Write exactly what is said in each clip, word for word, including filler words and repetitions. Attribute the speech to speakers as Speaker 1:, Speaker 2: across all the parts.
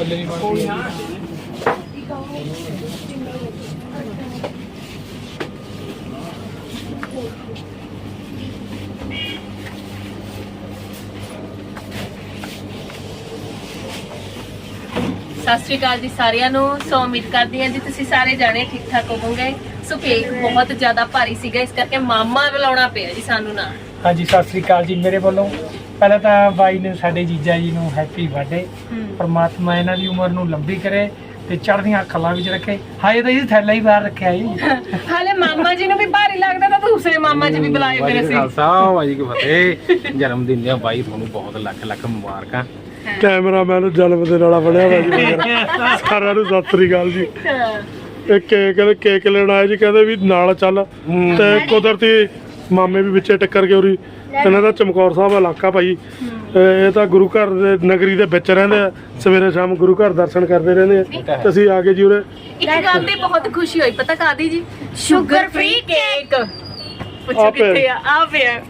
Speaker 1: ਫੁੱਲ ਵੀ ਬਣ ਗਏ।
Speaker 2: ਸਤਿ ਸ਼੍ਰੀ ਅਕਾਲ ਜੀ ਸਾਰਿਆਂ ਨੂੰ। ਸੋ ਉਮੀਦ ਕਰਦੀ ਹਾਂ ਜੀ ਤੁਸੀਂ ਸਾਰੇ ਜਾਣੇ ਠੀਕ ਠਾਕ ਹੋਵੋਗੇ। ਸੋ ਕੇਕ ਬਹੁਤ ਜ਼ਿਆਦਾ ਭਾਰੀ ਸੀਗਾ, ਇਸ ਕਰਕੇ ਮਾਮਾ ਬੁਲਾਉਣਾ ਪਿਆ ਜੀ ਸਾਨੂੰ ਨਾ।
Speaker 1: ਹਾਂਜੀ ਸਤਿ ਸ੍ਰੀ ਅਕਾਲ ਜੀ ਮੇਰੇ ਵੱਲੋਂ। ਪਹਿਲਾਂ ਤਾਂ ਬਾਈ ਨੇ ਸਾਡੇ ਜੀਜਾ ਜੀ ਨੂੰ ਹੈਪੀ ਬਰਥਡੇ। ਪਰਮਾਤਮਾ ਇਹਨਾਂ ਦੀ ਉਮਰ ਨੂੰ ਲੰਬੀ ਕਰੇ ਤੇ ਚੜ੍ਹਦੀਆਂ ਅੱਖਾਂ ਵਿੱਚ ਰੱਖੇ। ਹਾਏ ਤਾਂ ਇਹ ਥੈਲਾ ਹੀ ਬਾਹਰ ਰੱਖਿਆ ਜੀ।
Speaker 2: ਹਾਲੇ ਮਾਮਾ ਜੀ ਨੂੰ ਵੀ ਭਾਰੀ ਲੱਗਦਾ ਤਾਂ ਦੂਸਰੇ ਮਾਮਾ ਜੀ ਵੀ ਬੁਲਾਏ ਮੇਰੇ ਸੀ।
Speaker 3: ਖਾਲਸਾ ਵਾਹਿਗੁਰੂ ਜੀ ਕੀ ਫਤਿਹ। ਜਨਮ ਦਿਨ ਦੀਆਂ ਬਾਈ ਤੁਹਾਨੂੰ ਬਹੁਤ ਲੱਖ ਲੱਖ ਮੁਬਾਰਕਾਂ।
Speaker 4: ਕੈਮਰਾਮੈਨ ਜਨਮ ਦਿਨ ਵਾਲਾ ਬਣਿਆ ਵਾ ਜੀ ਸਾਰਿਆਂ ਨੂੰ ਸਤਿ ਸ੍ਰੀ ਅਕਾਲ ਜੀ। ਇਹ ਕੇਕ ਕੇਕ ਲੈਣ ਆਏ ਜੀ, ਕਹਿੰਦੇ ਵੀ ਨਾਲ ਚੱਲ ਤੇ ਕੁਦਰਤੀ ਮਾਮੇ ਵੀ ਵਿੱਚੇ ਟੱਕਰ ਕੇ ਉਰੀ। ਇਹਨਾਂ ਦਾ ਚਮਕੌਰ ਸਾਹਿਬ ਇਲਾਕਾ ਭਾਈ, ਇਹ ਤਾਂ ਗੁਰੂ ਘਰ ਦੇ ਨਗਰੀ ਦੇ ਵਿੱਚ ਰਹਿੰਦੇ ਆ। ਸਵੇਰੇ ਸ਼ਾਮ ਗੁਰੂ ਘਰ ਦਰਸ਼ਨ ਕਰਦੇ ਰਹਿੰਦੇ ਆ ਤੇ ਅਸੀਂ ਆ ਕੇ ਜੀ ਉਰੇ
Speaker 2: ਇੱਕ ਗੱਲ ਦੀ ਬਹੁਤ ਖੁਸ਼ੀ ਹੋਈ, ਪਤਾ ਕਾਦੀ ਜੀ? Sugar free cake. ਪੁੱਛੋ ਕਿੱਥੇ ਆ? ਆ ਪਿਆ।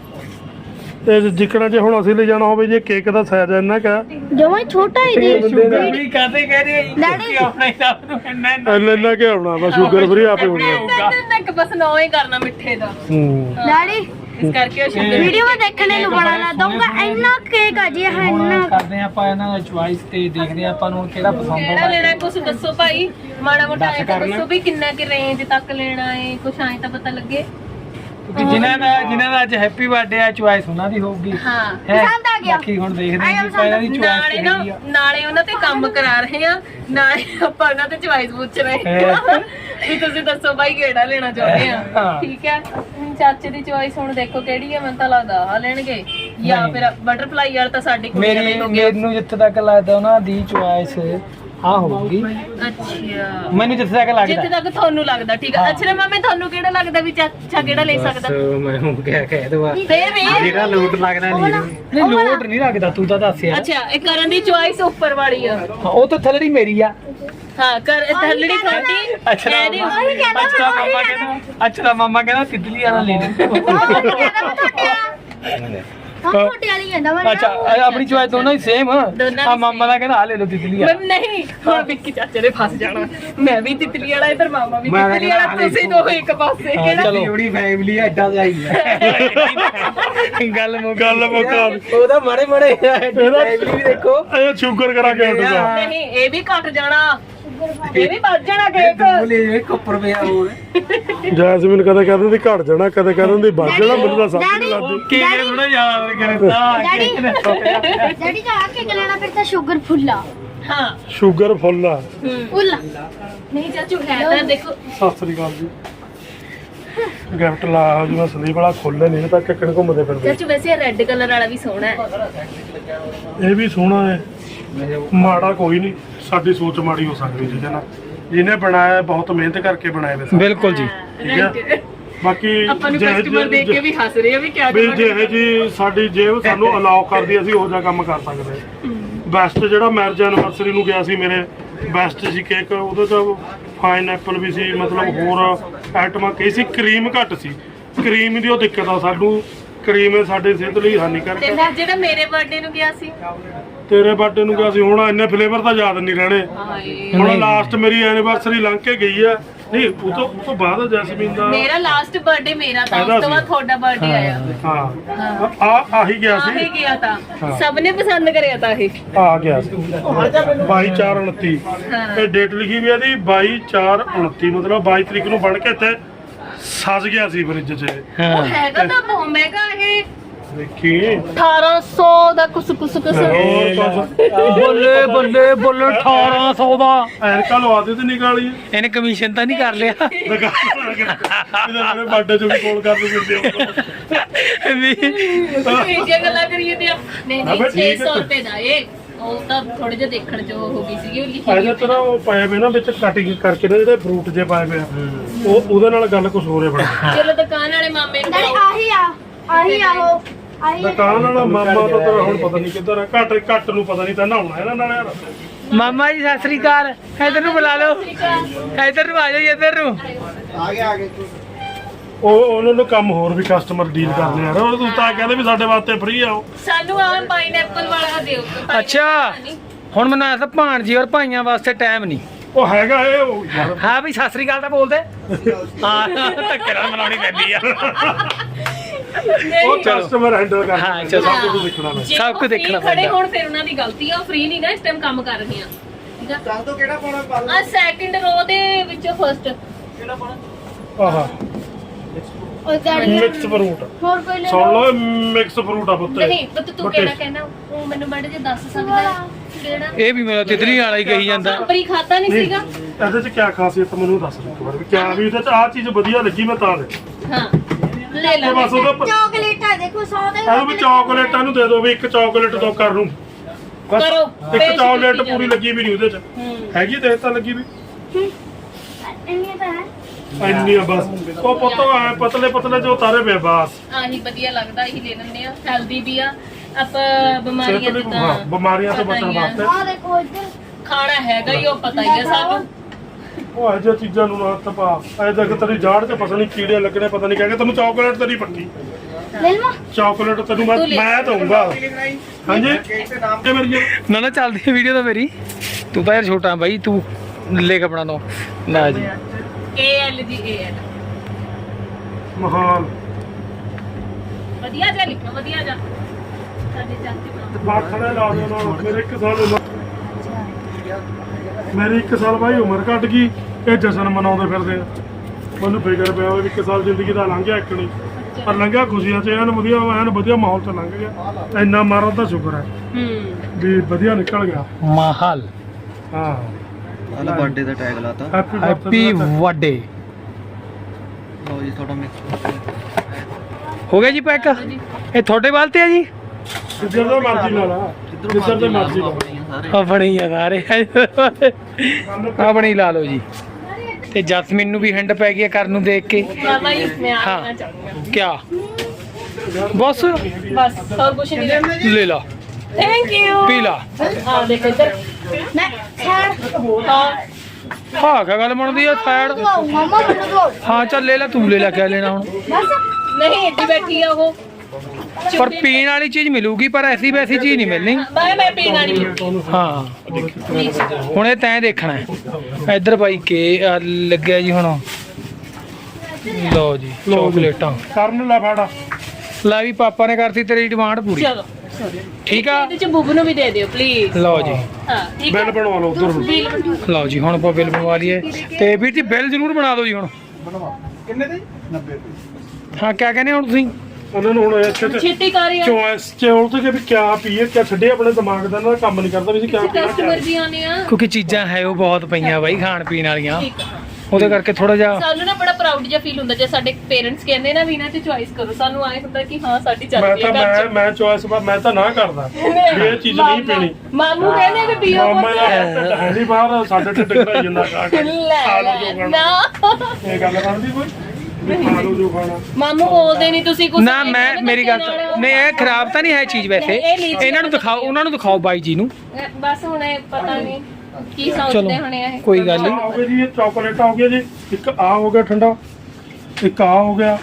Speaker 4: ਤੇ ਜਿੱਕਣਾ ਜੇ ਹੁਣ ਅਸੀਂ ਲੈ ਜਾਣਾ ਹੋਵੇ ਜੇ ਕੇਕ ਦਾ ਸਾਈਜ਼ ਇੰਨਾ ਕਾ
Speaker 5: ਜਮਾਂ ਛੋਟਾ ਹੀ ਦੇ
Speaker 1: ਸ਼ੂਗਰ ਵੀ ਕਾਤੇ ਕਹਿ ਰਹੇ ਜੀ?
Speaker 5: ਡੈਡੀ
Speaker 1: ਆਪਣਾ ਹੀ ਰੱਬ ਨੂੰ ਇੰਨਾ ਇੰਨਾ
Speaker 4: ਇੰਨਾ ਇੰਨਾ ਕਿ ਆਉਣਾ ਵਾ ਸ਼ੂਗਰ ਫ੍ਰੀ ਆਪੇ ਹੋਣੀ ਆ।
Speaker 2: ਨੱਕ ਬਸ ਨੌ ਹੀ ਕਰਨਾ ਮਿੱਠੇ ਦਾ।
Speaker 4: ਹੂੰ
Speaker 5: ਡੈਡੀ
Speaker 2: ਇਸ ਕਰਕੇ ਉਹ ਸ਼ੂਗਰ
Speaker 5: ਵੀਡੀਓ ਵਿੱਚ ਦੇਖਣੇ ਨੂੰ ਬੜਾ ਲਾ ਦਊਂਗਾ। ਇੰਨਾ ਕੇਕ ਆ ਜੀ, ਹੈ
Speaker 1: ਹੁਣ
Speaker 5: ਇੰਨਾ
Speaker 1: ਕਰਦੇ ਆ ਆਪਾਂ ਇਹਨਾਂ ਦਾ ਚੁਆਇਸ ਤੇ ਦੇਖਦੇ ਆ ਆਪਾਂ ਨੂੰ ਕਿਹੜਾ ਪਸੰਦ
Speaker 2: ਕਿਹੜਾ
Speaker 1: ਆਉਂਦਾ।
Speaker 2: ਲੈਣਾ ਕੁਛ ਦੱਸੋ ਭਾਈ, ਮਾੜਾ ਮੋਟਾ
Speaker 1: ਦੱਸ
Speaker 2: ਐਂ ਤਾਂ
Speaker 1: ਕਰਨਾ।
Speaker 2: ਦੱਸੋ ਵੀ ਕਿੰਨਾ ਕਿ ਰੇਂਜ ਤੱਕ ਲੈਣਾ ਹੈ, ਕੁਛ ਐਂ ਤਾਂ ਪਤਾ ਲੱਗੇ।
Speaker 1: ਕਿਉਂਕਿ ਜਿਨ੍ਹਾਂ ਦਾ ਜਿਨ੍ਹਾਂ ਦਾ ਅੱਜ ਹੈਪੀ ਬਰਥਡੇ ਆ ਚੁਆਇਸ ਉਹਨਾਂ ਦੀ ਹੋਊਗੀ।
Speaker 2: ਹਾਂ
Speaker 1: ਹੈਂ?
Speaker 5: ਪਸੰਦ ਆ ਗਿਆ।
Speaker 1: ਬਾਕੀ ਹੁਣ ਦੇਖਦੇ ਹਾਂ ਕਿ ਇਹਨਾਂ ਦੀ
Speaker 2: ਨਾਲੇ ਨਾ
Speaker 1: ਚੁਆਇਸ
Speaker 2: ਨਾਲੇ ਉਹਨਾਂ ਤੇ ਕੰਮ ਕਰਾ ਰਹੇ ਆ, ਨਾਲੇ ਆਪਾਂ ਉਹਨਾਂ ਤੇ ਚੁਆਇਸ ਪੁੱਛ ਰਹੇ ਆ ਵੀ ਤੁਸੀਂ ਦੱਸੋ ਭਾਈ ਕਿਹੜਾ ਲੈਣਾ ਚਾਹੁੰਦੇ ਆ।
Speaker 1: ਹਾਂ।
Speaker 2: ਠੀਕ ਹੈ, ਚਾਚੇ ਦੀ ਚੁਆਇਸ ਹੁਣ ਦੇਖੋ ਕਿਹੜੀ ਹੈ। ਮੈਨੂੰ ਤਾਂ ਲੱਗਦਾ ਆਹ ਲੈਣਗੇ ਜਾਂ
Speaker 1: ਨਹੀਂ।
Speaker 2: ਫਿਰ ਬਟਰਫਲਾਈ ਵਾਲਾ ਤਾਂ ਸਾਡੀ ਕੁੜੀ
Speaker 1: ਮੇਰੀ
Speaker 2: ਨੇ ਹੋ ਗਿਆ।
Speaker 1: ਮੈਨੂੰ ਜਿੱਥੇ ਤੱਕ ਲੱਗਦਾ ਉਹਨਾਂ ਦੀ ਚੁਆਇਸ ਆ ਹੋਊਗੀ।
Speaker 2: ਅੱਛਾ,
Speaker 1: ਮੈਨੂੰ ਜਿੱਥੇ ਤੱਕ
Speaker 2: ਜਿੱਥੇ
Speaker 1: ਲੱਗਦਾ
Speaker 2: ਤੱਕ ਤੁਹਾਨੂੰ ਲੱਗਦਾ। ਠੀਕ ਹੈ। ਅੱਛਾ ਮਾਮੇ ਤੁਹਾਨੂੰ ਕਿਹੜਾ ਲੱਗਦਾ ਵੀ ਚਾਚਾ ਕਿਹੜਾ ਲੈ ਸਕਦਾ?
Speaker 3: ਮੈਂ ਹੁਣ ਕਿਆ ਕਹਿ ਦਵਾ
Speaker 2: ਫੇਰ ਵੀ
Speaker 3: ਜਿਹੜਾ ਲੋਟ ਲੱਗਦਾ ਨਹੀਂ
Speaker 1: ਨਹੀਂ ਲੋਡ ਨਹੀਂ ਲੱਗਦਾ, ਤੂੰ ਤਾਂ ਦੱਸ ਯਾਰ।
Speaker 2: ਅੱਛਾ, ਇਹ ਕਰਨ ਦੀ ਚੁਆਇਸ ਉੱਪਰ ਵਾਲੀ ਆ।
Speaker 1: ਹਾਂ, ਉਹ ਤਾਂ ਥੱਲੜੀ ਮੇਰੀ ਆ।
Speaker 2: ਹਾਂ ਕਰ ਥੱਲੜੀ ਤੁਹਾਡੀ।
Speaker 1: ਅੱਛਾ
Speaker 2: ਇਹਦੀ
Speaker 1: ਅੱਛਾ ਮਾਮਾ ਕਹਿੰਦਾ ਅੱਛਾ ਮਾਮਾ ਕਹਿੰਦਾ ਤਿੱਤਲੀ ਵਾਲਾ ਲੈ ਲੈ।
Speaker 5: ਹਾਂ ਛੋਟੇ ਵਾਲੀ ਕਹਿੰਦਾ ਮੈਂ
Speaker 1: ਅੱਛਾ ਇਹ ਆਪਣੀ ਚੁਆਇਸ ਦੋਨੋਂ ਹੀ ਸੇਮ ਆ।
Speaker 2: ਦੋਨਾਂ ਦੀ
Speaker 1: ਮਾਮਾ ਦਾ ਕਹਿੰਦਾ ਆ ਲੈ ਲਓ ਤਿੱਤਲੀ ਵਾਲਾ।
Speaker 2: ਮੈਂ ਨਹੀਂ, ਹੁਣ ਵਿੱਕੀ ਚਾਚੇ ਨੇ ਫਸ ਜਾਣਾ। ਮੈਂ ਵੀ ਤਿਤਲੀ ਵਾਲਾ, ਇਧਰ ਮਾਮਾ ਵੀ
Speaker 3: ਮੈਂ
Speaker 2: ਤਿਤਲੀ ਵਾਲਾ, ਤੁਸੀਂ ਦੋਵੇਂ ਇੱਕ ਪਾਸੇ।
Speaker 1: ਹਾਂ,
Speaker 2: ਕਿਹੜਾ
Speaker 1: ਚਲੋ।
Speaker 3: ਜੋੜੀ ਫੈਮਿਲੀ ਐਡਾ ਜਾਈ
Speaker 1: ਗੱਲ ਮੁੱਕ
Speaker 4: ਗੱਲ ਮੁਕਾ
Speaker 3: ਉਹਦਾ ਮਾੜੇ ਮਾੜੇ ਫੈਮਿਲੀ ਵੀ ਦੇਖੋ।
Speaker 4: ਇਹ ਸ਼ੂਗਰ ਕਰਾ ਕੇ ਹਟੂਗਾ।
Speaker 2: ਨਹੀਂ, ਇਹ ਵੀ ਘਟ ਜਾਣਾ, ਇਹ ਵੀ ਵੱਧ ਜਾਣਾ ਕੇਕ।
Speaker 3: ਬੋਲੇ ਕੱਪਰ ਪਿਆ ਹੋਰ
Speaker 4: ਜੈਸਮੀਨ ਕਦੇ ਕਹਿੰਦੀ ਦੀ ਘਟ ਜਾਣਾ, ਕਦੇ ਕਹਿੰਦੀ ਵੱਧ ਜਾਣਾ। ਮੈਨੂੰ ਤਾਂ ਸਮਝ ਨਹੀਂ ਲੱਗਦੀ।
Speaker 1: ਕੀ ਥੋੜਾ ਯਾਦ ਕਰਦਾ
Speaker 5: ਡੈਡੀ ਡੈਡੀ ਜਾ ਕੇਕ ਲੈਣਾ ਫਿਰ ਤਾਂ ਸ਼ੂਗਰ ਫੁੱਲਾ
Speaker 2: ਹਾਂ
Speaker 4: ਸ਼ੂਗਰ ਫੁੱਲ ਆ।
Speaker 5: ਫੁੱਲਾ
Speaker 2: ਨਹੀਂ ਚਾਚੂ ਹੈ ਤਾਂ ਦੇਖੋ।
Speaker 4: ਸਤਿ ਸ੍ਰੀ ਅਕਾਲ ਜੀ। ਗਿਫਟ ਲਾ ਜੀ ਮੈਂ ਸੰਦੀਪ ਵਾਲਾ ਖੋਲੇ ਨਹੀਂ ਤਾਂ ਕਿੱਕਣ ਘੁੰਮਦੇ ਫਿਰਦੇ।
Speaker 2: ਚਾਚੂ ਵੈਸੇ ਰੈੱਡ ਕਲਰ ਵਾਲਾ ਵੀ ਸੋਹਣਾ ਹੈ।
Speaker 4: ਇਹ ਵੀ ਸੋਹਣਾ ਹੈ, ਮਾੜਾ ਕੋਈ ਨਹੀਂ। ਸਾਡੀ ਸੋਚ ਮਾੜੀ ਹੋ ਸਕਦੀ ਠੀਕ ਹੈ ਨਾ। ਜਿਹਨੇ ਬਣਾਇਆ ਬਹੁਤ ਮਿਹਨਤ ਕਰਕੇ ਬਣਾਇਆ ਵੈਸੇ।
Speaker 1: ਬਿਲਕੁਲ ਜੀ।
Speaker 4: ਠੀਕ ਹੈ। ਬਾਕੀ
Speaker 2: ਆਪਾਂ ਨੂੰ
Speaker 4: ਜਿਹੇ-
Speaker 2: ਕਸਟਮਰ ਦੇਖ ਕੇ ਵੀ ਹੱਸ ਰਹੇ ਆ ਵੀ ਕਿਆ
Speaker 4: ਵੀ
Speaker 2: ਕਰਨਾ।
Speaker 4: ਜਿਹੇ ਜੀ ਸਾਡੀ ਜੇਬ ਸਾਨੂੰ ਅਲਾਉ ਕਰਦੀ ਅਸੀਂ ਉਹ ਜਿਹਾ ਕੰਮ ਕਰ ਸਕਦੇ। ਬੈਸਟ ਜਿਹੜਾ ਮੈਰਿਜ ਐਨਵਰਸਰੀ ਨੂੰ ਗਿਆ ਸੀ ਮੇਰੇ, ਬੈਸਟ ਸੀ ਕੇਕ। ਉਹਦੇ ਚ ਫਾਈਨ ਐਪਲ ਵੀ ਸੀ, ਮਤਲਬ ਹੋਰ ਆਈਟਮਾਂ ਕਈ ਸੀ। ਕਰੀਮ ਘੱਟ ਸੀ, ਕਰੀਮ ਦੀ ਉਹ ਦਿੱਕਤ ਆ ਸਾਨੂੰ। ਕਰੀਮ ਸਾਡੇ ਸਿਹਤ ਲਈ ਹਾਨੀਕਾਰਕ
Speaker 2: ਤੇ
Speaker 4: ਹੈ।
Speaker 2: ਮੈਂ ਜਿਹੜਾ ਮੇਰੇ ਬਰਥਡੇ ਨੂੰ ਗਿਆ ਸੀ,
Speaker 4: ਤੇਰੇ ਬਰਥਡੇ ਨੂੰ ਗਿਆ ਸੀ, ਹੁਣ ਇੰਨੇ ਫਲੇਵਰ ਤਾਂ ਯਾਦ ਨਹੀਂ ਰਹਿਣੇ।
Speaker 2: ਹਾਏ
Speaker 4: ਹੁਣ ਲਾਸਟ ਮੇਰੀ ਐਨੀਵਰਸਰੀ ਲੰਘ ਕੇ ਗਈ ਆ। ਨਹੀਂ ਉਹ ਤੋਂ ਉਹ ਤੋਂ ਬਾਅਦ ਜੈਸਮੀਨ ਦਾ
Speaker 2: ਮੇਰਾ ਲਾਸਟ ਬਰਥਡੇ ਮੇਰਾ ਤਾਂ,
Speaker 4: ਇਹਦਾ
Speaker 2: ਉਸ ਤੋਂ ਬਾਅਦ
Speaker 4: ਸੀ।
Speaker 2: ਤੁਹਾਡਾ ਬਰਥਡੇ ਆਇਆ।
Speaker 4: ਹਾਂ ਆ ਆਹੀ ਗਿਆ
Speaker 2: ਆਹੀ
Speaker 4: ਸੀ।
Speaker 2: ਗਿਆ ਤਾਂ,
Speaker 4: ਹਾਂ।
Speaker 2: ਸਭ ਨੇ ਪਸੰਦ ਕਰਿਆ ਤਾਂ ਇਹ।
Speaker 4: ਆ ਗਿਆ ਸੀ ਬਾਈ ਚਾਰ ਉਨੱਤੀ।
Speaker 2: ਹਾਂ।
Speaker 4: ਇਹ ਡੇਟ ਲਿਖੀ ਵੀ ਇਹਦੀ ਬਾਈ ਚਾਰ ਉਨੱਤੀ, ਮਤਲਬ ਬਾਈ ਤਰੀਕ ਨੂੰ ਬਣ ਕੇ ਇੱਥੇ ਸੱਜ ਗਿਆ ਸੀ ਫਰਿੱਜ 'ਚ।
Speaker 2: ਉਹ ਹੈਗਾ ਤਾਂ ਬਹੁਤ ਮਹਿੰਗਾ ਇਹ,
Speaker 4: ਦੇਖੀ
Speaker 2: ਅਠਾਰਾਂ ਸੌ ਦਾ ਕੁਛ ਕੁਛ ਕੁਛ।
Speaker 4: ਹੋਰ ਕੁਛ
Speaker 1: ਬੱਲੇ ਬੱਲੇ ਬੱਲੇ ਅਠਾਰਾਂ ਸੌ ਦਾ।
Speaker 4: ਐਨਕਾਂ ਲਵਾ ਦੇ ਤੇ ਨਿਕਾਲੀ
Speaker 1: ਇਹਨੇ ਕਮਿਸ਼ਨ ਤਾਂ ਨਹੀਂ ਕਰ ਲਿਆ?
Speaker 4: ਇਹਦੇ ਮੇਰੇ ਬਰਥਡੇ 'ਚ ਵੀ ਕੋਲ ਕਰਦੇ ਫਿਰਦੇ ਹੋ।
Speaker 2: ਇਹ ਜੇ ਗੱਲਾਂ ਕਰੀਏ ਤੇ ਨਹੀਂ
Speaker 4: ਹਾਂ
Speaker 2: ਨਹੀਂ
Speaker 4: ਬਈ ਠੀਕ
Speaker 2: ਛੇ ਸੌ
Speaker 4: ਹੈ।
Speaker 2: ਰੁਪਏ ਦਾ ਇਹ। ਉਹ ਤਾਂ ਥੋੜੇ ਜਿਹਾ ਦੇਖਣ ਚ ਉਹ ਹੋ ਗਈ ਸੀਗੀ, ਉਹ ਲਿਖੀ
Speaker 4: ਐਜਾ
Speaker 2: ਹੋਈ
Speaker 4: ਤਰ੍ਹਾਂ ਉਹ ਪਾਏ ਵੇ ਨਾ ਵਿੱਚ ਕਟਿੰਗ ਕਰਕੇ ਨਾ ਜਿਹੜੇ ਫਰੂਟ ਜੇ ਪਾਏ ਵੇ ਆ, ਉਹ ਉਹਦੇ ਨਾਲ ਗੱਲ ਕੁਝ ਹੋਰੇ ਬਣਾ।
Speaker 2: ਚਲੋ ਦੁਕਾਨ ਵਾਲੇ ਮਾਮੇ ਨੂੰ
Speaker 5: ਡੈਡੀ
Speaker 2: ਬੁਲਾਓ।
Speaker 5: ਆਹੀ ਆ ਆਹੀ ਆ ਉਹ ਆਹੀ ਆ।
Speaker 4: ਦੁਕਾਨ ਵਾਲਾ ਮਾਮਾ ਤਾਂ ਤੇਰਾ ਹੁਣ ਪਤਾ ਨਹੀਂ ਕਿੱਧਰ ਆ। ਘੱਟ ਘੱਟ ਨੂੰ ਪਤਾ ਨਹੀਂ ਤਾਂ ਨਹਾਉਣਾ ਇਹਨਾਂ ਨਾਲ ਯਾਰ।
Speaker 1: ਮਾਮਾ ਜੀ ਸਤਿ ਸ੍ਰੀ ਅਕਾਲ। ਇੱਧਰ ਨੂੰ ਬੁਲਾ ਲਓ, ਇੱਧਰ ਨੂੰ ਆ ਜਾਓ, ਇੱਧਰ ਨੂੰ।
Speaker 4: ਉਹ ਉਹਨਾਂ ਨੂੰ ਕੰਮ ਹੋਰ ਵੀ ਕਸਟਮਰ ਡੀਲ ਕਰਨੇ ਯਾਰ। ਉਹ ਤੂੰ ਤਾਂ ਕਹਿੰਦੇ ਵੀ ਸਾਡੇ ਵਾਸਤੇ ਫ੍ਰੀ ਆ ਉਹ।
Speaker 2: ਸਾਨੂੰ ਆ ਪਾਈਨਐਪਲ ਵਾਲਾ ਦਿਓ।
Speaker 1: ਅੱਛਾ। ਹੁਣ ਮੈਨੂੰ ਐਸਾ ਭਾਣਜੀ ਔਰ ਭਾਈਆਂ ਵਾਸਤੇ ਟਾਈਮ ਨਹੀਂ।
Speaker 4: ਉਹ ਹੈਗਾ ਇਹ ਉਹ ਯਾਰ
Speaker 1: ਹਾਂ ਵੀ ਸਤਿ ਸ੍ਰੀ ਅਕਾਲ ਤਾਂ ਬੋਲਦੇ ਹਾਂ ਧੱਕੇ ਨਾਲ ਮਨਾਉਣੀ ਪੈਂਦੀ ਆ।
Speaker 4: ਉਹ ਕਸਟਮਰ ਹੈਂਡਲ ਕਰਦਾ
Speaker 1: ਹਾਂ, ਚਲੋ।
Speaker 4: ਸਭ ਕੁਝ ਦੇਖਣਾ ਮੈਂ
Speaker 2: ਜੇ
Speaker 1: ਸਭ ਕੁਝ
Speaker 2: ਉਹ free
Speaker 1: ਦੇਖਣਾ
Speaker 2: ਖੜੇ
Speaker 1: ਪੈਂਦਾ।
Speaker 2: ਹੁਣ ਫਿਰ ਉਹਨਾਂ ਦੀ ਗਲਤੀ ਆ, ਉਹ ਫ੍ਰੀ ਨਹੀਂ ਨਾ ਇਸ ਟਾਈਮ ਕੰਮ ਕਰ ਰਹੀਆਂ। ਠੀਕ ਆ ਦੱਸ ਦੋ ਕਿਹੜਾ ਪਾਉਣਾ ਆ ਸੈਕਿੰਡ ਰੋ ਦੇ ਵਿੱਚ ਫਰਸਟ ਕਿਹੜਾ ਪਾਉਣਾ।
Speaker 4: ਆਹਾ
Speaker 5: ਉਹ ਡੈਡੀ
Speaker 4: ਮਿਕਸ ਫਰੂਟ
Speaker 5: ਹੋਰ ਕੋਈ ਲੈ
Speaker 4: ਸੁਣ ਲਓ ਮਿਕਸ ਫਰੂਟ ਆ ਪੁੱਤੇ
Speaker 2: ਨਹੀਂ ਪੁੱਤ ਤੂੰ
Speaker 4: but
Speaker 2: ਕਿਹੜਾ ਕਹਿਣਾ ਉਹ ਮੈਨੂੰ ਬੜੇ ਜੇ ਦੱਸ ਸਕਦਾ ਹੈ ਕਿਹੜਾ।
Speaker 1: ਇਹ ਵੀ ਮੇਰਾ ਤਿਤਲੀ ਵਾਲਾ ਹੀ ਕਹੀ ਜਾਂਦਾ।
Speaker 2: ਬਰੀ ਖਾਤਾ ਨਹੀਂ
Speaker 4: ਨਹੀਂ,
Speaker 2: ਸੀਗਾ।
Speaker 4: ਇਹਦੇ ਚ ਕੀ ਖਾਸੀਅਤ ਮੈਨੂੰ ਦੱਸ ਦੇ ਇੱਕ ਵਾਰ ਵੀ ਕਿਆ ਵੀ ਇਹਦੇ ਚ ਆਹ ਚੀਜ਼ ਵਧੀਆ ਲੱਗੀ ਮੈਂ ਤਾਂ ਦੇ
Speaker 2: ਹਾਂ ਲੈ ਲੈ
Speaker 4: ਤੇ ਬਸ ਉਹਦਾ ਪ-
Speaker 5: ਚਾਕਲੇਟ ਆ ਦੇਖੋ ਸੌ ਦੇ
Speaker 4: ਇਹਨੂੰ ਵੀ ਚਾਕਲੇਟਾਂ ਨੂੰ ਦੇ ਦਿਓ ਵੀ ਇੱਕ ਚਾਕਲੇਟ ਦੋ ਕਰ ਨੂੰ ਬਸ
Speaker 2: ਕਰੋ,
Speaker 4: ਇੱਕ
Speaker 2: ਪੇਸ਼
Speaker 4: ਚਾਕਲੇਟ
Speaker 2: ਕੀਤੀ
Speaker 4: ਪੂਰੀ
Speaker 2: ਜਾਵੇ।
Speaker 4: ਲੱਗੀ ਵੀ ਨਹੀਂ ਉਹਦੇ ਚ
Speaker 2: ਹੂੰ।
Speaker 4: ਹੈਗੀ ਤੇ ਤਾਂ ਲੱਗੀ ਵੀ
Speaker 5: ਇੰਨੀ ਤਾਂ ਹੈ
Speaker 4: ਇੰਨੀ ਆ ਬਸ ਉਹ ਪੁੱਤੋ ਐ ਪਤਲੇ ਪਤਲੇ ਜੋ ਤਾਰੇ ਪਏ ਬਸ
Speaker 2: ਆਹੀ ਵਧੀਆ ਲੱਗਦਾ ਇਹੀ ਲੈ ਲੈਂਦੇ ਆ। ਹੈਲਦੀ ਵੀ ਆ ਆਪਾਂ ਬਿਮਾਰੀਆਂ
Speaker 4: ਸਿਹਤ ਲਈ
Speaker 2: ਤੋਂ
Speaker 4: ਹਾਂ,
Speaker 2: ਤਾਂ
Speaker 4: ਬਿਮਾਰੀਆਂ ਤੋਂ
Speaker 2: ਪਤਾ
Speaker 4: ਬਚਣ
Speaker 2: ਹੀ ਆ।
Speaker 4: ਵਾਸਤੇ
Speaker 5: ਆ ਦੇਖੋ ਇੱਧਰ
Speaker 2: ਖਾਣਾ ਹੈਗਾ ਹੀ ਉਹ ਪਤਾ ਹੀ ਆ ਸਾਨੂੰ।
Speaker 4: ਉਹ ਇਹੋ ਜਿਹੀਆਂ ਚੀਜ਼ਾਂ ਨੂੰ ਨਾ ਹੱਥ ਪਾ ਐ ਤੱਕ ਤੇਰੀ ਜਾੜ 'ਚ ਪਤਾ ਨਹੀਂ ਕੀੜੇ ਲੱਗਣੇ ਪਤਾ ਨਹੀਂ ਕਹਿੰਦੇ ਤੈਨੂੰ ਚਾਕਲੇਟ ਤੇਰੀ ਪੱਕੀ
Speaker 5: ਲੈ ਲਵਾਂ
Speaker 4: ਚਾਕਲੇਟ ਤੈਨੂੰ ਮੈਂ
Speaker 2: ਤੂੰ ਲੈ।
Speaker 4: ਮੈਂ ਦਊਂਗਾ ਹਾਂਜੀ ਇਹ ਮੇਰੀ
Speaker 1: ਨਾ ਨਾ ਚੱਲਦੀ ਹੈ ਵੀਡੀਓ ਤਾਂ ਮੇਰੀ। ਤੂੰ ਤਾਂ ਯਾਰ ਛੋਟਾ ਬਾਈ, ਤੂੰ ਲੈ ਕੇ ਬਣਾ ਦੋ ਨਾ ਜੀ।
Speaker 2: A L G A L
Speaker 4: ਮਹਾਨ
Speaker 2: ਵਧੀਆ ਜਿਹਾ ਲਿਖੋ, ਵਧੀਆ ਜਿਹਾ ਸਾਡੇ ਚਾਚੇ ਬਣਾ
Speaker 4: ਬਾਖੜੇ ਲਾ ਦੋ ਨਾ ਮੇਰੇ ਇੱਕ ਸਾਲ ਉਮਰ ਮੇਰੀ ਇੱਕ ਸਾਲ ਬਾਈ ਉਮਰ ਘਟ ਗਈ ਇਹ ਜਸ਼ਨ ਮਨਾਉਂਦੇ ਫਿਰਦੇ ਆ ਮੈਨੂੰ ਫਿਕਰ ਪਿਆ ਵੀ ਇੱਕ ਸਾਲ ਜ਼ਿੰਦਗੀ ਦਾ ਲੰਘ ਗਿਆ ਇੱਕ ਨਹੀਂ ਪਰ ਲੰਘਿਆ ਖੁਸ਼ੀਆਂ 'ਚ ਐਨ ਵਧੀਆ ਐਨ ਵਧੀਆ ਮਾਹੌਲ 'ਚ ਲੰਘ ਗਿਆ ਇੰਨਾ ਮਾਰਾ ਦਾ ਸ਼ੁਕਰ ਹੈ
Speaker 2: ਹੂੰ
Speaker 4: ਵੀ ਵਧੀਆ ਨਿਕਲ ਗਿਆ
Speaker 1: ਮਾਹਲ
Speaker 4: ਹਾਂ
Speaker 6: ਆਲਾ ਬਰਥਡੇ ਦਾ ਟੈਗ ਲਾਤਾ।
Speaker 4: ਹੈਪੀ
Speaker 1: ਹੈਪੀ ਬਰਥਡੇ
Speaker 6: ਲਓ ਜੀ ਤੁਹਾਡਾ ਮਿਕਸ
Speaker 1: ਹੋ ਗਿਆ ਜੀ ਪੈਕ। ਇਹ ਤੁਹਾਡੇ ਵੱਲ ਤੇ ਆ ਜੀ।
Speaker 4: ਜਿੱਧਰ ਦਾ ਮਰਜ਼ੀ ਲਾ ਲਾ ਜਿੱਧਰ ਦਾ ਮਰਜ਼ੀ ਲਾ
Speaker 6: ਸਾਰੇ
Speaker 1: ਆਪਣੇ ਹੀ ਆ ਸਾਰੇ ਆਪਣੇ ਹੀ ਲਾ ਲਓ ਜੀ। ਤੇ ਜਸਮੀਨ ਨੂੰ ਵੀ ਹੈਂਡ ਪੈ ਗਈ ਕਰਨ ਨੂੰ ਦੇਖ ਕੇ।
Speaker 2: ਮਾਮਾ ਜੀ ਮੈਂ
Speaker 1: ਹਾਂ।
Speaker 2: ਆਣਾ ਚਾਹੂੰਗਾ
Speaker 1: ਕਿਆ ਬਸ
Speaker 2: ਬਸ ਹੋਰ ਕੁਝ ਨਹੀਂ ਲੈਣਾ।
Speaker 1: ਲੈ ਲਾ
Speaker 2: ਥੈਂਕ ਯੂ
Speaker 1: ਪੀ ਲਾ।
Speaker 2: ਆ ਦੇਖ ਇੱਧਰ
Speaker 5: ਨਾ ਛੱਡ
Speaker 2: ਹਾਂ
Speaker 1: ਹਾਂ ਕਿਆ ਗੱਲ ਬਣਦੀ ਆ ਸਾਈਡ।
Speaker 5: ਦਵਾਓ ਮਮਾ ਮੈਨੂੰ ਦਵਾਓ
Speaker 1: ਹਾਂ ਚੱਲ ਲੈ ਲੈ ਤੂੰ ਲੈ ਲੈ ਕਿਆ ਲੈਣਾ ਹੁਣ।
Speaker 5: ਬਸ
Speaker 2: ਨਹੀਂ ਇੱਡੀ ਬੈਠੀ ਆ ਉਹ
Speaker 1: ਪਰ ਪੀਣ ਵਾਲੀ ਚੀਜ਼ ਮਿਲੂਗੀ ਪਰ ਐਸੀ ਵੈਸੀ ਚੀਜ਼ ਨਹੀਂ ਮਿਲਣੀ।
Speaker 2: ਬਾਏ ਮੈਂ ਪੀਣ ਵਾਲੀ
Speaker 1: ਹਾਂ ਹੁਣ ਇਹ ਤੈਂ ਦੇਖਣਾ ਹੈ। ਇੱਧਰ ਬਾਈ ਕੇ ਆ ਲੱਗਿਆ ਜੀ ਹੁਣ। ਲਓ ਜੀ ਚੋਕਲੇਟਾਂ
Speaker 4: ਕਰਨ ਲੈ ਫਾੜਾ
Speaker 1: ਲੈ ਵੀ ਪਾਪਾ ਨੇ ਕਰਤੀ ਤੇਰੀ ਡਿਮਾਂਡ ਪੂਰੀ।
Speaker 2: ਚਲੋ
Speaker 1: ਠੀਕ ਆ
Speaker 2: ਇਹਦੇ ਚ ਬੁੱਬ ਨੂੰ ਵੀ ਦੇ ਦਿਓ ਪਲੀਜ਼।
Speaker 1: ਲਓ ਜੀ
Speaker 2: ਹਾਂ ਠੀਕ
Speaker 4: ਬਿੱਲ ਬਣਵਾ ਲਓ ਉਧਰ
Speaker 2: ਬਿੱਲ ਬਣਾ-
Speaker 1: ਲਓ ਜੀ ਹੁਣ ਆਪਾਂ ਬਿੱਲ ਬਣਵਾ ਲਈਏ ਤੇ ਵੀਰ ਜੀ ਬਿੱਲ ਜ਼ਰੂਰ ਬਣਾ ਦਿਓ ਜੀ ਹੁਣ।
Speaker 6: ਕਿੰਨੇ ਦੇ ਨੱਬੇ ਰੁਪਏ।
Speaker 1: ਹਾਂ ਕਿਆ ਕਹਿੰਦੇ ਹੁਣ ਤੁਸੀਂ।
Speaker 4: ਉਹਨਾਂ ਨੂੰ ਹੁਣ ਇੱਥੇ ਤੇ
Speaker 2: ਛੇਤੀ ਕਰ ਯਾਰ
Speaker 4: ਚੋਇਸ ਚ ਉਲਝ ਕੇ ਵੀ ਕਿਆ ਪੀਏ ਕਿਆ ਛੱਡੇ ਆਪਣੇ ਦਿਮਾਗ ਦਾ ਨਾ ਕੰਮ ਨਹੀਂ ਕਰਦਾ ਵੀ ਅਸੀਂ ਕਿਆ ਪੀਣਾ ਕਿਆ
Speaker 2: ਕਸਟਮਰ ਵੀ ਆਨੇ ਆ।
Speaker 1: ਕਿਉਂਕਿ ਚੀਜ਼ਾਂ ਹੈ ਉਹ ਬਹੁਤ ਪਈਆਂ ਬਾਈ ਖਾਣ ਪੀਣ ਵਾਲੀਆਂ
Speaker 2: ਠੀਕ ਆ
Speaker 1: ਉਹਦੇ ਕਰਕੇ ਥੋੜਾ ਜਿਹਾ
Speaker 2: ਸਾਨੂੰ ਨਾ ਬੜਾ ਪ੍ਰਾਊਡ ਜਿਹਾ ਫੀਲ ਹੁੰਦਾ ਜੇ ਸਾਡੇ ਪੇਰੈਂਟਸ ਕਹਿੰਦੇ ਨਾ ਵੀ ਇਹਨਾਂ ਤੇ ਚੁਆਇਸ ਕਰੋ। ਸਾਨੂੰ ਆਏ ਹੁੰਦਾ ਕਿ ਹਾਂ ਸਾਡੀ
Speaker 4: ਮੈਂ
Speaker 2: ਚੱਲਦੀ
Speaker 4: ਤਾਂ
Speaker 2: ਹੈ ਘਰ
Speaker 4: ਮੈਂ
Speaker 2: ਚ।
Speaker 4: ਮੈਂ ਚੋਇਸ ਮੈਂ ਤਾਂ ਨਾ ਕਰਦਾ ਵੀ ਇਹ ਚੀਜ਼ ਨਹੀਂ ਪੀਣੀ
Speaker 2: ਮਾਮੂ ਕਹਿੰਦੇ ਵੀ ਪੀਓ
Speaker 4: ਮਾਮਾ ਦਾ ਢਿੱਡ ਹੈ ਨਹੀਂ ਬਾਹਰ ਸਾਡੇ ਢਿੱਡ ਘੜਾਈ ਜਾਂਦਾ ਖਾ ਕੇ ਖਾ ਲਓ ਜੋ
Speaker 2: ਲੈ
Speaker 4: ਖਾਣਾ
Speaker 2: ਨਾ
Speaker 4: ਇਹ ਗੱਲ ਬਣਦੀ ਕੋਈ ਵੀ ਖਾ ਲਓ ਜੋ ਖਾਣਾ
Speaker 2: ਮਾਮੂ ਬੋਲਦੇ ਨਹੀਂ ਤੁਸੀਂ ਕੁਝ
Speaker 1: ਨਾ ਮੈਂ ਮੇਰੀ ਗੱਲ ਸੁਣ- ਨਹੀਂ ਇਹ ਖਰਾਬ ਤਾਂ ਨਹੀਂ ਹੈ ਚੀਜ਼ ਵੈਸੇ।
Speaker 2: ਇਹ ਲੀਚੀ
Speaker 1: ਇਹਨਾਂ ਨੂੰ ਦਿਖਾਓ ਉਹਨਾਂ ਨੂੰ ਦਿਖਾਓ ਬਾਈ ਜੀ ਨੂੰ।
Speaker 2: ਬਸ ਹੁਣ ਇਹ ਪਤਾ ਨਹੀਂ ਕੀ ਸੋਚਦੇ ਹੋਣੇ ਆ ਇਹ।
Speaker 1: ਕੋਈ ਗੱਲ ਨਹੀਂ।
Speaker 4: ਹੋ ਗਿਆ ਜੀ ਇਹ ਚਾਕਲੇਟਾਂ ਹੋ ਗਿਆ ਜੀ ਇੱਕ ਆ ਹੋ ਗਿਆ ਠੰਡਾ ਇੱਕ ਆ ਹੋ ਗਿਆ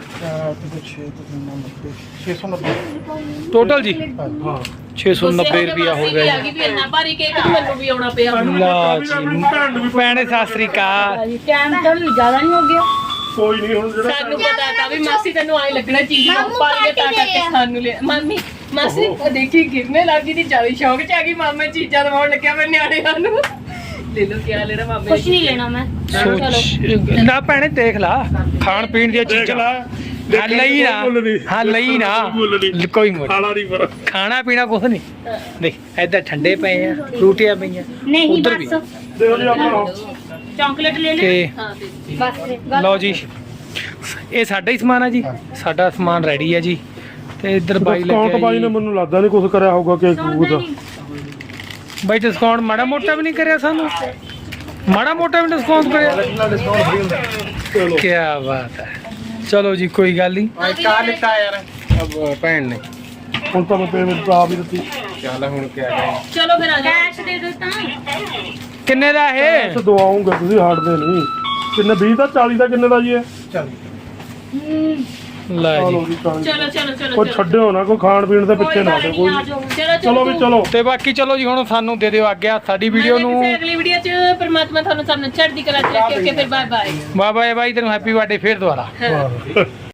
Speaker 4: ਛੇ ਸੌ ਨੱਬੇ
Speaker 1: ਟੋਟਲ ਜੀ
Speaker 4: ਹਾਂ
Speaker 1: ਛੇ ਸੌ ਨੱਬੇ ਰੁਪਿਆ ਹੋ ਗਿਆ
Speaker 2: ਆ ਗਈ ਵੀ ਇੰਨਾ ਭਾਰੀ ਕੇਕ ਤੇ ਮੈਨੂੰ ਵੀ ਆਉਣਾ ਪਿਆ।
Speaker 1: ਲਾ ਜੀ ਭੈਣੇ ਸਤਿ ਸ੍ਰੀ ਅਕਾਲ।
Speaker 5: ਟਾਈਮ ਤਾਂ ਜ਼ਿਆਦਾ ਨਹੀਂ ਹੋ ਗਿਆ
Speaker 4: ਕੋਈ ਨਹੀਂ ਹੁਣ ਜਿਹੜਾ
Speaker 2: ਸਾਨੂੰ ਪਤਾ ਤਾਂ ਵੀ ਮਾਸੀ ਤੈਨੂੰ ਆਏ ਲੱਗਣਾ ਚੀਜ਼ ਨੂੰ
Speaker 5: ਮਾਮੂ
Speaker 2: ਭਾਰੀ ਤਾਂ
Speaker 5: ਪਾਰਟੀ
Speaker 2: ਕਰਕੇ
Speaker 5: ਦੇ ਆ।
Speaker 2: ਸਾਨੂੰ ਲੈ ਮਾਮੀ ਮਾਸੀ ਉਹ ਦੇਖੀ ਗਿਰਨੇ ਲੱਗੀ ਦੀ ਜਿਆਦਾ ਸ਼ੌਕ ਚ ਆ ਗਈ ਮਾਮੇ ਚੀਜ਼ਾਂ ਦਵਾਉਣ ਲੱਗਿਆ ਮੈਂ ਨਿਆਣਿਆਂ ਨੂੰ। ਲੈ ਲੋ ਕੀ ਲੈਣਾ ਮਾਮੇ
Speaker 5: ਕੁਝ ਨਹੀਂ ਲੈਣਾ ਮੈਂ
Speaker 1: ਸੋਚ ਨਾ ਭੈਣੇ ਦੇਖ ਲਾ ਖਾਣ ਪੀਣ ਦੀਆਂ
Speaker 4: ਦੇਖ
Speaker 1: ਚੀਜ਼ਾਂ
Speaker 4: ਲੈ
Speaker 1: ਹਾਂ ਲਈ ਨਾ ਹਾਂ ਲਈ ਨਾ ਕੋਈ ਮੋੜ
Speaker 4: ਖਾਣਾ ਨਹੀਂ ਪਰ
Speaker 1: ਖਾਣਾ ਪੀਣਾ ਕੁਛ ਨਹੀਂ ਦੇਖ ਇੱਧਰ ਠੰਡੇ ਪਏ ਆ ਫਰੂਟੀਆਂ ਪਈਆਂ
Speaker 5: ਨਹੀਂ
Speaker 1: ਉੱਧਰ ਵੀ
Speaker 5: ਬਸ
Speaker 4: ਦੇਖੋ ਜੀ ਆਪਾਂ
Speaker 5: ਚਾਕਲੇਟ ਲੈ ਲੈ
Speaker 1: ਤੇ
Speaker 2: ਹਾਂ ਦੇ
Speaker 5: ਬਸ
Speaker 1: ਲਓ ਜੀ ਇਹ ਸਾਡਾ ਹੀ ਸਮਾਨ ਆ ਜੀ ਸਾਡਾ ਸਮਾਨ ਰੈਡੀ ਆ ਜੀ ਤੇ ਇੱਧਰ ਬਾਈ
Speaker 4: ਡਿਸਕਾਊਂਟ ਬਾਈ ਨੇ
Speaker 1: ਲੱਗਿਆ
Speaker 4: ਮੈਨੂੰ ਲੱਗਦਾ ਨਹੀਂ ਕੁਝ ਕਰਿਆ ਹੋਊਗਾ ਕੇਕ ਕੂਕ ਦਾ
Speaker 1: ਜੀ ਬਾਈ ਡਿਸਕਾਊਂਟ ਮਾੜਾ ਮੋਟਾ ਵੀ ਨਹੀਂ ਕਰਿਆ ਸਾਨੂੰ ਮਾੜਾ ਮੋਟਾ ਵੀ ਡਿਸਕਾਊਂਟ ਕਰਿਆ
Speaker 4: ਚਲੋ
Speaker 1: ਕੀ ਬਾਤ ਹੈ ਚਲੋ ਜੀ ਕੋਈ ਗੱਲ ਨਹੀਂ
Speaker 3: ਕਾ ਲਿੱਤਾ ਯਾਰ ਅਬ ਭੈਣ ਨੇ
Speaker 4: ਹੁਣ ਤਾਂ ਮੈਂ ਪੇਮੈਂਟ ਆਪ ਹੀ ਦਿੱਤੀ
Speaker 3: ਚੱਲ ਹੁਣ ਕਿਆ ਕਰਾਂ।
Speaker 2: ਚਲੋ ਫਿਰ ਆ ਜਾ
Speaker 5: ਕੈਸ਼ ਦੇ ਦੋ ਤਾਂ
Speaker 1: ਕਿੰਨੇ ਦਾ ਇਹ
Speaker 4: ਅੱਛਾ ਦਵਾਉਂਗਾ ਤੁਸੀਂ ਹਾਰਡਦੇ ਨਹੀਂ ਕਿੰਨੇ ਵੀਹ ਦਾ ਚਾਲੀ ਦਾ ਕਿੰਨੇ ਦਾ ਜੀ ਇਹ
Speaker 5: ਹਮ,
Speaker 1: ਲੈ
Speaker 4: ਚਲੋ
Speaker 1: ਜੀ
Speaker 4: ਜੀ ਚਲੋ ਜੀ।
Speaker 2: ਚਲੋ ਚਲੋ ਚਲੋ
Speaker 4: ਕੋਈ ਛੱਡਿਓ ਨਾ ਕੋਈ ਖਾਣ ਪੀਣ ਦੇ ਪਿੱਛੇ ਨਾ ਆਜੋ ਕੋਈ
Speaker 2: ਚਲੋ
Speaker 4: ਚਲੋ ਵੀ ਚਲੋ
Speaker 1: ਤੇ ਬਾਕੀ ਚਲੋ ਜੀ ਹੁਣ ਸਾਨੂੰ ਦੇ ਦਿਓ ਆਗਿਆ ਸਾਡੀ ਵੀਡੀਓ ਨੂੰ
Speaker 2: ਅਗਲੀ ਵੀਡੀਓ ਚ ਪਰਮਾਤਮਾ ਤੁਹਾਨੂੰ ਸਾਨੂੰ ਚੜ੍ਹਦੀ ਕਲਾ ਚ ਰੱਖੇ ਓਕੇ ਫਿਰ ਬਾਏ ਬਾਏ
Speaker 1: ਬਾਏ ਬਾਏ ਬਾਈ ਤੈਨੂੰ ਹੈਪੀ ਬਰਥਡੇ ਫੇਰ ਦੁਬਾਰਾ
Speaker 4: ਹਾਂ